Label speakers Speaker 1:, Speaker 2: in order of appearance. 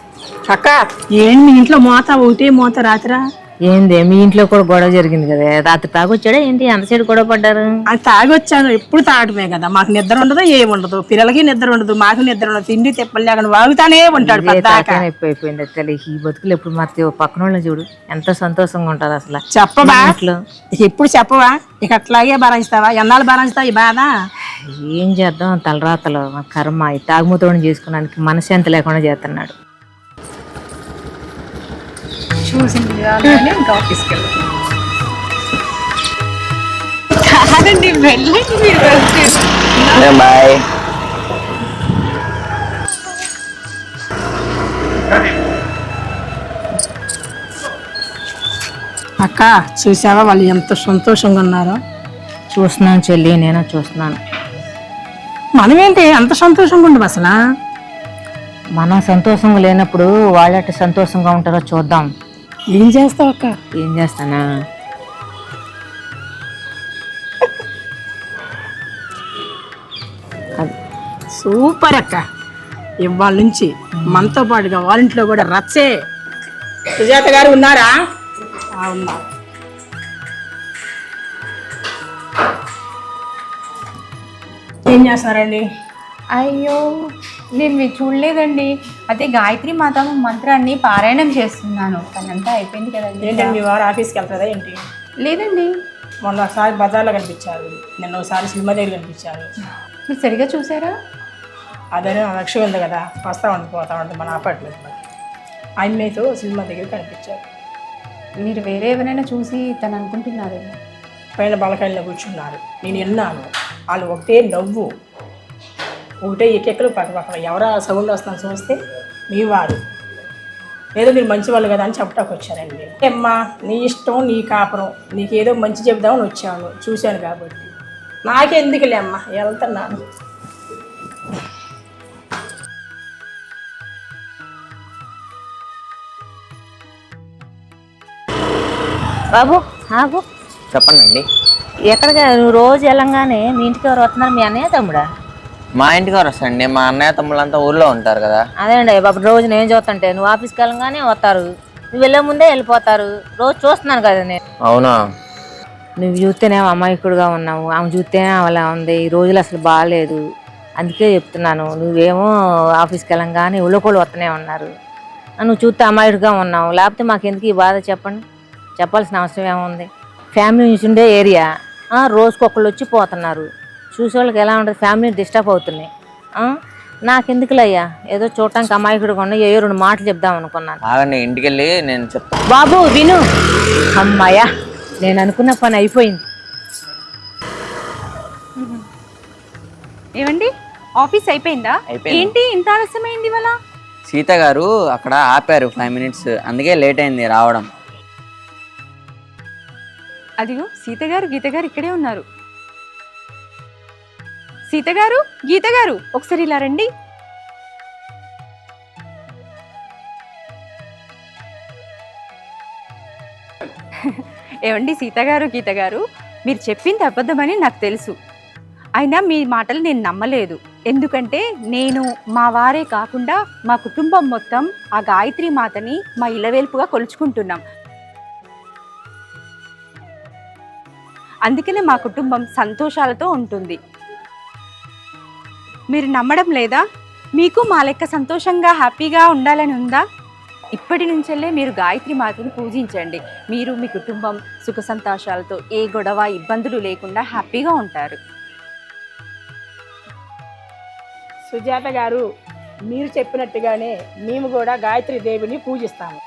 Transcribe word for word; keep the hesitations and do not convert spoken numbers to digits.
Speaker 1: అక్క ఏంటి మీ ఇంట్లో మోత ఒకటే మోత రాత్రా?
Speaker 2: ఏంది మీ ఇంట్లో కూడా గొడవ జరిగింది కదా, రాత్రి తాగొచ్చాడా ఏంటి? అంతసేపు గొడవ పడ్డారు?
Speaker 1: అది తాగొచ్చాను, ఎప్పుడు తాగటమే కదా, మాకు నిద్ర ఉండదు ఏముండదు, పిల్లలకి నిద్ర ఉండదు, మాకు నిద్ర ఉండదు, తిండి తిప్పలు లేకుండా వాగుతానే ఉంటాడు పద్దాక.
Speaker 2: అయిపోయింది తెలి ఈ బతుకులు ఎప్పుడు మారుతాయో. పక్కన వాళ్ళని చూడు ఎంత సంతోషంగా ఉంటారు అసలు.
Speaker 1: చెప్పవా
Speaker 2: ఇంట్లో
Speaker 1: ఎప్పుడు చెప్పవా? ఇక అట్లాగే భరాయిస్తావా? ఎన్నాళ్ళు భరాయిస్తావు ఈ బాధ?
Speaker 2: ఏం చేద్దాం, తలరాతలు కర్మ. ఈ తాగుమూతోని చేసుకోవడానికి మనశ్శాంతి లేకుండా చేస్తున్నాడు.
Speaker 3: చూసింది ఇంకా ఆఫీస్కి వెళ్ళండి. వెళ్ళండి మీరు.
Speaker 4: బాయ్.
Speaker 1: అక్క చూసావా వాళ్ళు ఎంత సంతోషంగా ఉన్నారో?
Speaker 2: చూస్తున్నాను చెల్లి, నేను చూస్తున్నాను.
Speaker 1: మనమేంటి అంత సంతోషంగా ఉండవు అసలు?
Speaker 2: మనం సంతోషంగా లేనప్పుడు వాళ్ళట సంతోషంగా ఉంటారో చూద్దాం.
Speaker 1: ఏం చేస్తావు అక్క?
Speaker 2: ఏం చేస్తానా,
Speaker 1: సూపర్ అక్క. ఇవాళ నుంచి మనతో పాటుగా వాళ్ళింట్లో కూడా రచ్చే. సుజాత గారు ఉన్నారా? ఉన్నారు. ఏం చేస్తున్నారండి?
Speaker 3: అయ్యో నేను మీరు చూడలేదండి. అదే గాయత్రి మాత మంత్రాన్ని పారాయణం చేస్తున్నాను. పనంతా అయిపోయింది కదండి.
Speaker 1: ఏంటండి మీ వారు ఆఫీస్కి వెళ్తారా ఏంటి?
Speaker 3: లేదండి.
Speaker 1: మొన్న ఒకసారి బజార్లో కనిపించారు, నిన్న ఒకసారి సినిమా దగ్గర కనిపించారు.
Speaker 3: మీరు సరిగా చూసారా?
Speaker 1: అదే లక్ష్యం ఉంది కదా, వస్తూ ఉండి పోతా ఉంటుంది మన అపార్ట్మెంట్ మరి. అమ్మాయితో సినిమా దగ్గర కనిపించారు.
Speaker 3: మీరు వేరే ఎవరైనా చూసి తను అనుకుంటున్నారేమో.
Speaker 1: పైన బలకాయల్లో కూర్చున్నారు, నేను విన్నాను. వాళ్ళు ఒకటే నవ్వు, ఒకటే ఎక్కెక్కలు పక్క పక్కన. ఎవరో సౌండ్ వస్తాను చూస్తే మీ వారు ఏదో మీరు మంచి వాళ్ళు కదా అని చెప్పడానికి వచ్చారండి. అమ్మా నీ ఇష్టం, నీ కాపురం, నీకేదో మంచి చెప్దామని వచ్చాను, చూశాను కాబట్టి. నాకెందుకులే అమ్మా, వెళ్తున్నాను.
Speaker 2: బాబు ఆగు.
Speaker 4: చెప్పండి అండి.
Speaker 2: ఎక్కడికి నువ్వు రోజు వెళ్ళంగానే మీ ఇంటికి ఎవరు వస్తున్నారు? మీ అన్నయ్య తమ్ముడా?
Speaker 4: మా ఇంటికి ఎవరు వస్తారండి? మా అన్నయ్య తమ్ముళ్ళంతా ఊర్లో ఉంటారు కదా.
Speaker 2: అదేండి బాబు, రోజు నేను చూస్తుంటే నువ్వు ఆఫీస్కి వెళ్ళంగానే వస్తారు, నువ్వు వెళ్ళే ముందే వెళ్ళిపోతారు. రోజు చూస్తున్నాను కదా నేను.
Speaker 4: అవునా?
Speaker 2: నువ్వు చూస్తేనేమో అమాయకుడుగా ఉన్నావు, ఆమె చూస్తేనే అలా ఉంది. ఈ రోజులు అసలు బాగాలేదు, అందుకే చెప్తున్నాను. నువ్వేమో ఆఫీస్కి వెళ్ళంగానే ఉళ్ళకోళ్ళు వస్తూనే ఉన్నారు, నువ్వు చూస్తే అమాయకుడుగా ఉన్నావు. లేకపోతే మాకెందుకు ఈ బాధ చెప్పండి? చెప్పాల్సిన అవసరం ఏముంది? ఫ్యామిలీ నుంచి ఉండే ఏరియా, రోజుకొకళ్ళు వచ్చి పోతున్నారు, చూసేవాళ్ళకి ఎలా ఉంటుంది? ఫ్యామిలీ డిస్టర్బ్ అవుతున్నాయి. నాకెందుకులయ్యా, ఏదో చూడటానికి అమాయకుడుగా ఉన్నా ఏ రెండు మాటలు చెప్దాం అనుకున్నాను.
Speaker 4: ఆగండి, ఇంటికి వెళ్ళి నేను చెప్తాను.
Speaker 2: బాబు విను. అమ్మాయ్యా, నేను అనుకున్న పని అయిపోయింది.
Speaker 3: ఏమండి ఆఫీస్ అయిపోయిందా?
Speaker 4: అయిపోయింది.
Speaker 3: ఏంటి ఇంత ఆలస్యమైంది ఇవాళ?
Speaker 4: సీత గారు అక్కడ ఆపారు ఫైవ్ మినిట్స్, అందుకే లేట్ అయింది రావడం.
Speaker 3: అదిగో సీత గారు గీత గారు ఇక్కడే ఉన్నారు. సీత గారు గీత గారు ఒకసారి ఇలా రండి. ఏమండి సీత గారు గీత గారు, మీరు చెప్పింది అబద్ధమని నాకు తెలుసు. అయినా మీ మాటలు నేను నమ్మలేదు. ఎందుకంటే నేను మా వారే కాకుండా మా కుటుంబం మొత్తం ఆ గాయత్రి మాతని మా ఇలవేల్పుగా కొలుచుకుంటున్నాం. అందుకనే మా కుటుంబం సంతోషాలతో ఉంటుంది. మీరు నమ్మడం లేదా? మీకు మా లెక్క సంతోషంగా హ్యాపీగా ఉండాలని ఉందా? ఇప్పటి నుంచెల్లే మీరు గాయత్రి మాతని పూజించండి. మీరు మీ కుటుంబం సుఖ సంతోషాలతో ఏ గొడవ ఇబ్బందులు లేకుండా హ్యాపీగా ఉంటారు.
Speaker 1: సుజాత గారు, మీరు చెప్పినట్టుగానే మేము కూడా గాయత్రి దేవిని పూజిస్తాము.